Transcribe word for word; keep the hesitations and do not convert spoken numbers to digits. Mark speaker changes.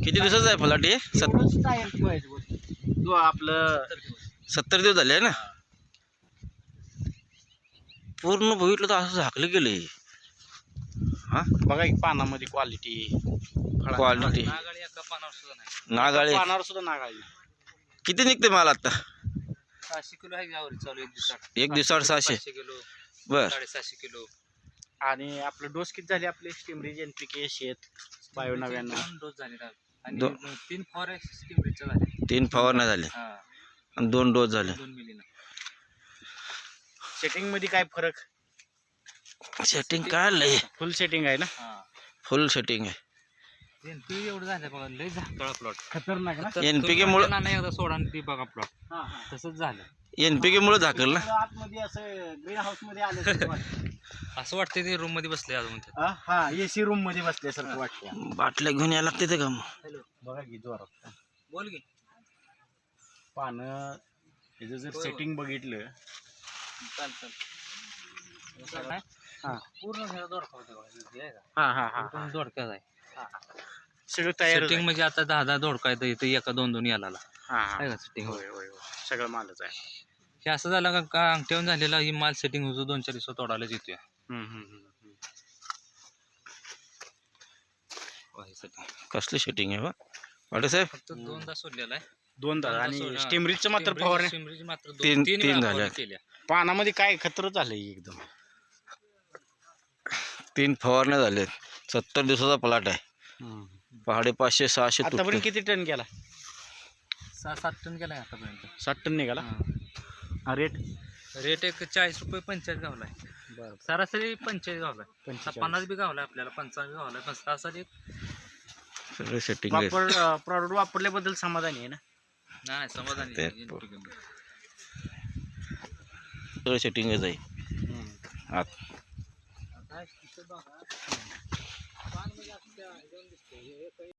Speaker 1: किती दिवसाचा आहे फलाट हे? सत
Speaker 2: एवढंच टायर ठेवायचं वरती. तो आपलं
Speaker 1: सत्तर दिवस झाले आहे ना. पूर्ण बघितलं तर असं झाकलं गेलं. हा
Speaker 2: बघा की पानामध्ये क्वालिटी
Speaker 1: क्वालिटी
Speaker 3: नागाळी एका पानावर सुद्धा नाही.
Speaker 1: नागाळे
Speaker 2: पानावर सुद्धा नागाळी.
Speaker 1: किती निघते माल आता?
Speaker 3: सहाशे किलो आहे यावर चालू एक दिवसात.
Speaker 1: एक दिवसावर सहाशे.
Speaker 3: पाचशे किलो
Speaker 1: बर
Speaker 3: साडेसहाशे किलो.
Speaker 2: आणि आपलं डोस किती झाले आपले स्टिमरीज एनपीके शेत बायो नव्याण्णव
Speaker 3: दोन डोस झाले ना. आणि
Speaker 1: दो-
Speaker 3: तीन फॉर स्टिमरीजचे झाले.
Speaker 1: तीन फवारण्या झाले
Speaker 3: हा
Speaker 1: आणि दोन डोस झाले.
Speaker 3: दोन मिलीनं.
Speaker 2: सेटिंग मध्ये काय फरक?
Speaker 1: सेटिंग काय लय
Speaker 2: फुल सेटिंग आहे ना.
Speaker 3: हा
Speaker 1: फुल सेटिंग आहे.
Speaker 3: एनपीके एवढं झालं बघा. लय झाकळा प्लॉट.
Speaker 2: खतरनाक ना.
Speaker 1: एनपीके मुळे
Speaker 3: नाही एकदा सोडा आणि ती बघा प्लॉट
Speaker 2: हा, हा.
Speaker 3: तसंच झालं.
Speaker 1: एनपीके मुळे झाकल ना.
Speaker 2: आतमध्ये असं ग्रीन हाऊस मध्ये आल्यासारखं वाटतं.
Speaker 3: असं वाटतं ते रूम मध्ये बसले अजून ते.
Speaker 2: हा, हा एसी रूम मध्ये बसल्यासारखं वाटतं.
Speaker 1: बाटल्या घेऊन यायला लागते ते का मग?
Speaker 3: हॅलो
Speaker 2: बघा की जोरात
Speaker 3: बोल की.
Speaker 2: पानं त्याचं जर सेटिंग बघितलं
Speaker 3: चाल चाल.
Speaker 2: हा.
Speaker 3: पूर्ण घरात दोडका होते बघा. हे आहे का?
Speaker 2: हा हा हा
Speaker 3: पूर्ण दोडकाच आहे.
Speaker 2: सगळं तयार
Speaker 3: सेटिंग म्हणजे आता दहा दहा दोडका येतं इथं एका दोन दोन याला
Speaker 2: हा हा
Speaker 3: आहे का सेटिंग.
Speaker 2: होय होय होय सगळं मालच आहे.
Speaker 3: हे असं झालं का का अंगठ्यावरून झालेला ही माल सेटिंग होतो दोन चार दिवसात तोडायलाच येतोय.
Speaker 2: हम्म, हम्म, हम्म, हम्म.
Speaker 1: कसली सेटिंग आहे बा वाटे साहेब?
Speaker 3: फक्त दोनदा सोडलेला आहे.
Speaker 2: दोनदा
Speaker 3: दोनदा
Speaker 2: आणि
Speaker 3: सोडला.
Speaker 2: स्टिमरीजचं मात्र
Speaker 3: स्टिमरीज-
Speaker 2: फवारणी
Speaker 3: स्टिमरीज मात्र दोन-
Speaker 1: तीन-
Speaker 3: तीन
Speaker 1: तीन
Speaker 3: वेळा
Speaker 1: झाल्या.
Speaker 3: फवारणी केल्या.
Speaker 2: पानामध्ये काय खतर झालंय एकदम.
Speaker 1: तीन फवारण्या झाल्यात. सत्तर दिवसाचा प्लॉट आहे. पहाडे पाचशे सहाशे
Speaker 2: आतापर्यंत
Speaker 1: तुटते.
Speaker 2: किती टन गेला?
Speaker 3: सहा सात टन गेला आतापर्यंत.
Speaker 2: साठ टन निघाला. हा रेट
Speaker 3: रेट एक चाळीस रुपये पंचेचाळीस गावलाय.
Speaker 2: बरं
Speaker 3: सरासरी पंचेचाळीस गावलाय.
Speaker 2: पंचेचाळीस.
Speaker 3: पन्नास बी गावलाय आपल्याला, पंचावन्न बी गावलाय, पण सरासरी
Speaker 1: सगळं सेटिंग आहे.
Speaker 2: वापर प्रॉडक्ट वापरल्याबद्दल समाधानी आहे ना.
Speaker 3: नाही समाधानी
Speaker 1: ते
Speaker 3: आहे.
Speaker 1: सगळं सेटिंगच आहे आत.
Speaker 3: आता इथं बघा. पान म्हणजे असं त्या ह्याच्यावरून दिसतंय. हे- हे